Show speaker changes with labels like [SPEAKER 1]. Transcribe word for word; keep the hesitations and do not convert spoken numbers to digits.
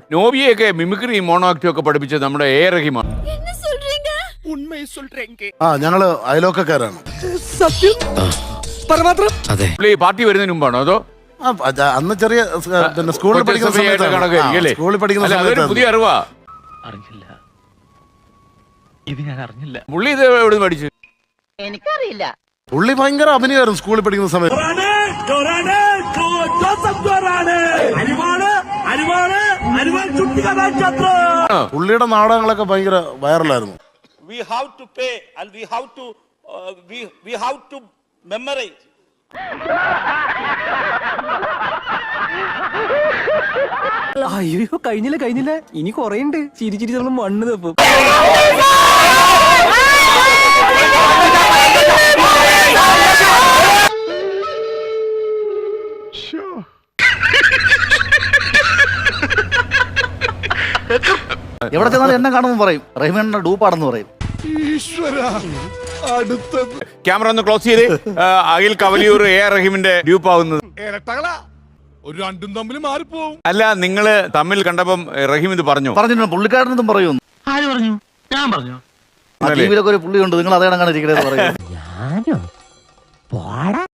[SPEAKER 1] നോബിയൊക്കെ mimicry mono ആക്ടും ഒക്കെ പഠിപ്പിച്ചത് നമ്മുടെ എ റഹീമാണ്.
[SPEAKER 2] ആ ഞങ്ങള് അയലോക്കക്കാരാണ്.
[SPEAKER 1] പുള്ളി പാർട്ടി വരുന്നതിന് മുമ്പാണോ അതോ
[SPEAKER 2] ആ, അത് അന്ന് ചെറിയ സ്- പിന്നെ സ്കൂളിൽ പഠിക്കുന്ന
[SPEAKER 1] കൊച്ചസഭയായിട്ട്
[SPEAKER 2] സമയത്താണ്.
[SPEAKER 1] കണക്കായിരിക്കും
[SPEAKER 2] ആ,
[SPEAKER 1] അല്ലേ?
[SPEAKER 2] സ്കൂളിൽ പഠിക്കുന്ന
[SPEAKER 1] അല്ല, അതൊരു
[SPEAKER 2] സമയത്താണ്.
[SPEAKER 1] പുതിയ അറിവാ.
[SPEAKER 3] അറിഞ്ഞില്ല, ഇത് ഞാൻ അറിഞ്ഞില്ല.
[SPEAKER 1] പുള്ളി ഇത് എവിടെ നിന്ന് പഠിച്ചു?
[SPEAKER 4] എനിക്കറിയില്ല.
[SPEAKER 2] പുള്ളി ഭയങ്കര അഭിനയമായിരുന്നു സ്കൂളിൽ പഠിക്കുന്ന സമയത്ത്. പുള്ളിയുടെ നാടകങ്ങളൊക്കെ ഭയങ്കര വൈറലായിരുന്നു.
[SPEAKER 5] We have to pay and we have to uh, we we have to memorize.
[SPEAKER 6] അയ്യോ കഴിഞ്ഞില്ല കഴിഞ്ഞില്ല ഇനി കൊറേ ഉണ്ട്. ചിരി ചിരി നമ്മൾ മണ്ണ് തപ്പും.
[SPEAKER 7] എവിടെ ചെന്നാലും എന്നെ കാണുമ്പോൾ പറയും റഹീമേണ്ണ ഡൂപ്പാണെന്ന് പറയും.
[SPEAKER 1] ക്യാമറ ഒന്ന് ക്ലോസ് ചെയ്ത് അഖിൽ കവലിയൂർ എ ആർ റഹീമിന്റെ ഡ്യൂപ്പ് ആവുന്നത്.
[SPEAKER 8] ഒരു രണ്ടും തമ്മിൽ മാറിപ്പോവും.
[SPEAKER 1] അല്ല, നിങ്ങള് തമ്മിൽ കണ്ടപ്പം റഹീം ഇത് പറഞ്ഞു
[SPEAKER 7] പറഞ്ഞിട്ടുണ്ട് പുള്ളിക്കാരനെന്തും പറയുന്നു.
[SPEAKER 3] ആര് പറഞ്ഞു? ഞാൻ പറഞ്ഞു.
[SPEAKER 7] ടി വിയിലൊക്കെ ഒരു പുള്ളിയുണ്ട്, നിങ്ങൾ അതേ കണക്കാണ് ഇരിക്കണേന്ന് പറയും.